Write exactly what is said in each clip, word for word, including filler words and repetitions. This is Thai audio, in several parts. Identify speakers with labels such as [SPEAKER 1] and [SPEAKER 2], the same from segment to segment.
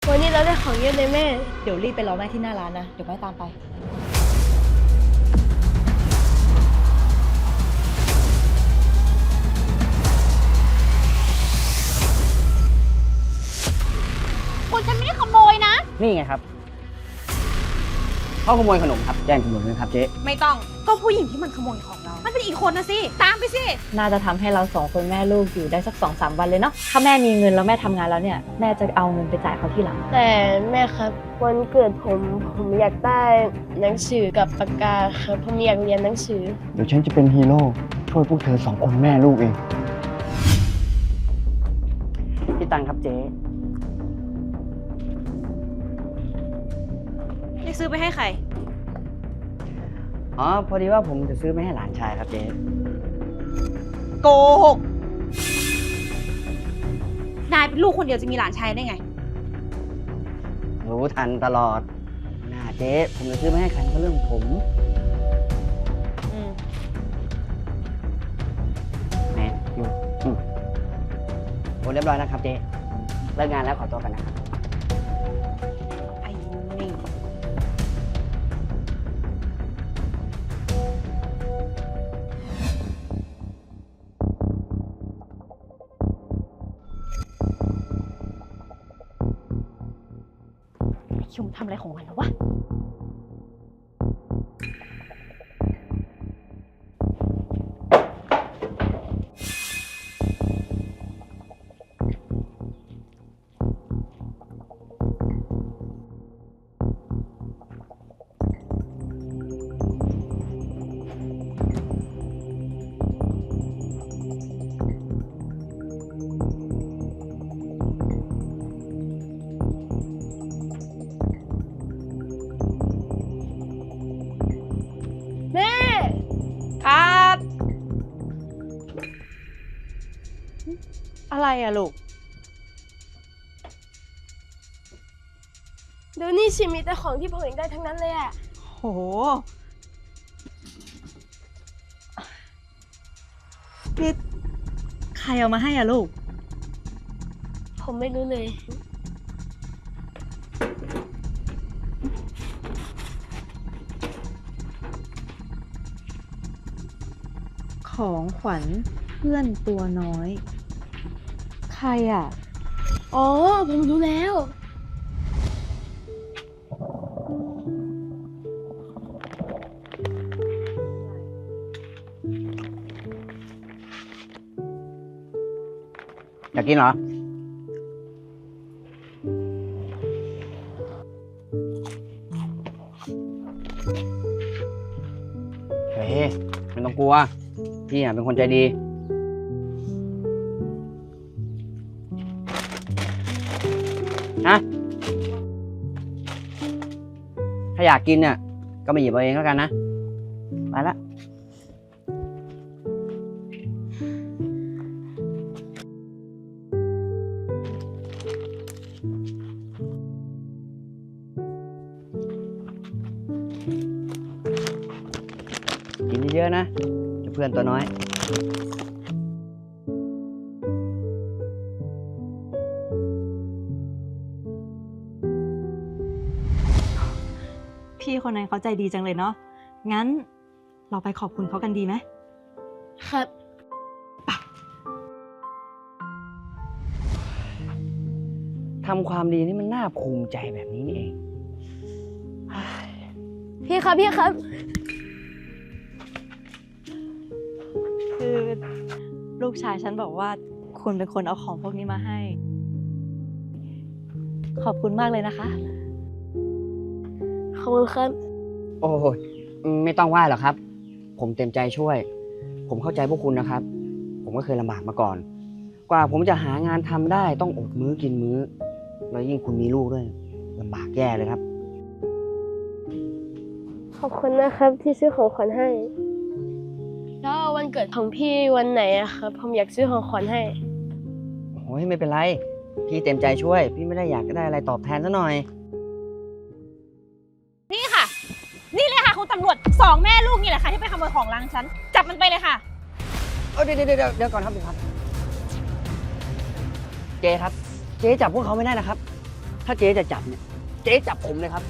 [SPEAKER 1] วันนี้เราได้ของเยอะเลยแม่
[SPEAKER 2] เดี๋ยวรีบไปรอแม่ที่หน้าร้านนะ เดี๋ยวแม่ตามไป
[SPEAKER 3] คุณฉันไม่ได้ขโมยนะ
[SPEAKER 4] นี่ไงครับเขาขโมยขนมครับแจ้งตำรวจเลยครับเจ๊
[SPEAKER 3] ไม่ต้อง ก็ผู้หญิงที่มันขโมยของเรา มันเป็นอีกคนนะสิ ตามไปสิ
[SPEAKER 2] น่าจะทำให้เราสองคนแม่ลูกอยู่ได้สักสองสามวันเลยเนาะ ถ้าแม่มีเงินแล้วแม่ทำงานแล้วเนี่ย แม่จะเอาเงินไปจ่ายเขาทีหลัง
[SPEAKER 1] แต่แม่ครับวันเกิดผมผมอยากได้หนังสือกับปากกาครับผมอยากเรียนหนังสือ
[SPEAKER 5] เดี๋ยวฉันจะเป็นฮีโร่ช่วยพวกเธอสองคนแม่ลูกเอง
[SPEAKER 4] พี่ตังครับเจ๊
[SPEAKER 3] จะซื้อไปให้ใคร
[SPEAKER 4] อ๋อพอดีว่าผมจะซื้อไปให้หลานชายครับเจ๊
[SPEAKER 3] โกหก นายเป็นลูกคนเดียวจะมีหลานชายได้ไง
[SPEAKER 4] รู้ทันตลอดน่าเจ๊ผมจะซื้อไปให้ใครก็เรื่องของผม
[SPEAKER 3] อืม
[SPEAKER 4] แหมอยู่อืมโอ้เรียบร้อยนะครับเจ๊เลิกงานแล้วขอตัวกันนะครับ
[SPEAKER 3] ไอ้นี่ ชุมทำอะไรของมันแล้ววะ
[SPEAKER 1] แม่
[SPEAKER 3] ครับ อะไรอะลูก
[SPEAKER 1] เดี๋ยวนี้ชิมีแต่ของที่ผมอยากได้ทั้งนั้นเลยอะ
[SPEAKER 3] โห
[SPEAKER 2] นี่ใครเอามาให้อะลูก
[SPEAKER 1] ผมไม่รู้เลย
[SPEAKER 2] ของขวัญเพื่อนตัวน้อย ใครอะ
[SPEAKER 1] อ๋อผมรู้แล้ว
[SPEAKER 4] อยากกินเหรอ เฮ้ยไม่ต้องกลัว พี่อ่ะเป็นคนใจดี นะ ถ้าอยากกินเนี่ย ก็มาหยิบเอาเองแล้วกันนะ ไปละ กินเยอะๆนะเจ้าเพื่อนตัวน้อย
[SPEAKER 2] พี่คนนั้นเขาใจดีจังเลยเนาะ งั้นเราไปขอบคุณเขากันดีไหม
[SPEAKER 1] ครับ
[SPEAKER 4] ทำความดีนี่มันน่าภูมิใจแบบนี้นี่เอง
[SPEAKER 1] พี่ครับพี่ครับ
[SPEAKER 2] คือลูกชายฉันบอกว่าคุณเป็นคนเอาของพวกนี้มาให้ ขอบคุณมากเลยนะคะ
[SPEAKER 1] ขอบคุณครับ
[SPEAKER 4] โอ้ยไม่ต้องไหว้หรอกครับ ผมเต็มใจช่วย ผมเข้าใจพวกคุณนะครับ ผมก็เคยลำบากมาก่อน กว่าผมจะหางานทำได้ต้องอดมื้อกินมื้อ แล้วยิ่งคุณมีลูกด้วยลำบากแย่เลยครับ
[SPEAKER 1] ขอบคุณนะครับที่ซื้อของขวัญให้ แล้ววันเกิดของพี่วันไหนอะครับ ผมอยากซื้อของขวัญให้
[SPEAKER 4] โอ้ยไม่เป็นไร พี่เต็มใจช่วย พี่ไม่ได้อยากได้อะไรตอบแทนซะหน่อย
[SPEAKER 3] นี่ค่ะ นี่เลยค่ะคุณตำรวจสองแม่ลูกนี่แหละค่ะที่ไปขโมยของร้านฉัน จับมันไปเลยค่ะ
[SPEAKER 4] เอาเดี๋ยวเดี๋ยวเดี๋ยวเดี๋ยวก่อนครับเดี๋ยวครับ เจ๊ครับ เจ๊จับพวกเขาไม่ได้นะครับถ้าเจ๊จะจับเนี่ย เจ๊จับผมเลยครับ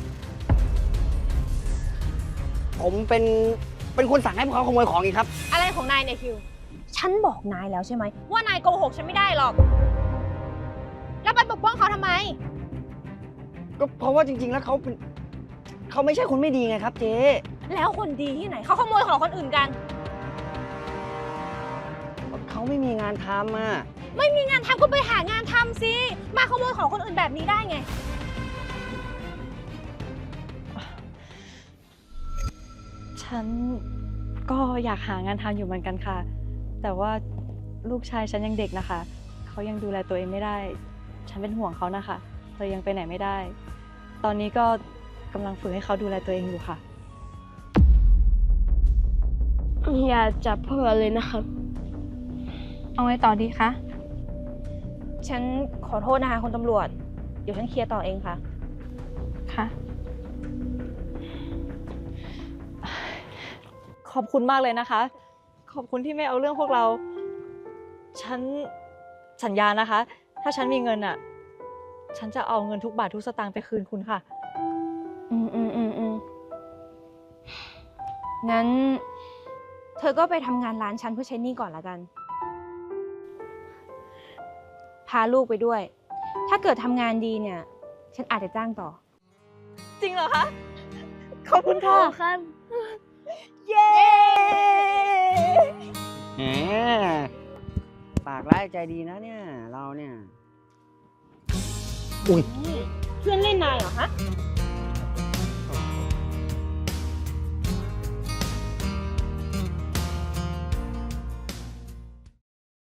[SPEAKER 4] ผมเป็นเป็นคนสั่งให้พวกเขาขโมยของอีกครับ
[SPEAKER 3] อะไรของนายเนี่ยคิว ฉันบอกนายแล้วใช่ไหมว่านายโกหกฉันไม่ได้หรอก แล้วไปปกป้องเขาทำไม
[SPEAKER 4] ก็เพราะว่าจริง ๆ แล้วเขาเป็นเขาไม่ใช่คนไม่ดีไงครับ เจ๊
[SPEAKER 3] แล้วคนดีที่ไหนเขาขโมยของคนอื่นกัน
[SPEAKER 4] เขาไม่มีงานทำอ่ะ
[SPEAKER 3] ไม่มีงานทำก็ไปหางานทำสิ มาขโมยของคนอื่นแบบนี้ได้ไง
[SPEAKER 2] ฉันก็อยากหางานทำอยู่เหมือนกันค่ะ แต่ว่าลูกชายฉันยังเด็กนะคะ เขายังดูแลตัวเองไม่ได้ ฉันเป็นห่วงเขานะคะเลยยังไปไหนไม่ได้ ตอนนี้ก็กำลังฝึกให้เขาดูแลตัวเองอยู่ค่ะ
[SPEAKER 1] อย่าจับพวกเราเลยนะครับ
[SPEAKER 3] เอาไงต่อดีคะ ฉันขอโทษนะคะคุณตำรวจ เดี๋ยวฉันเคลียร์ต่อเองค่ะ
[SPEAKER 2] ค่ะ ขอบคุณมากเลยนะคะ ขอบคุณที่ไม่เอาเรื่องพวกเรา ฉันสัญญานะคะ ถ้าฉันมีเงินอ่ะ ฉันจะเอาเงินทุกบาททุกสตางค์ไปคืนคุณค่ะ
[SPEAKER 3] อืมอืมอืมอืมงั้น เธอก็ไปทำงานร้านฉันเพื่อใช้หนี้ก่อนละกัน พาลูกไปด้วย ถ้าเกิดทำงานดีเนี่ย ฉันอาจจะจ้างต่อ
[SPEAKER 2] จริงเหรอคะ ขอบคุณค่ะ
[SPEAKER 1] ครับ
[SPEAKER 2] เย้
[SPEAKER 4] แหมปากร้ายใจดีนะเนี่ย เราเนี่ย อุ้ย
[SPEAKER 3] เพื่อนเล่นนายเหรอฮะ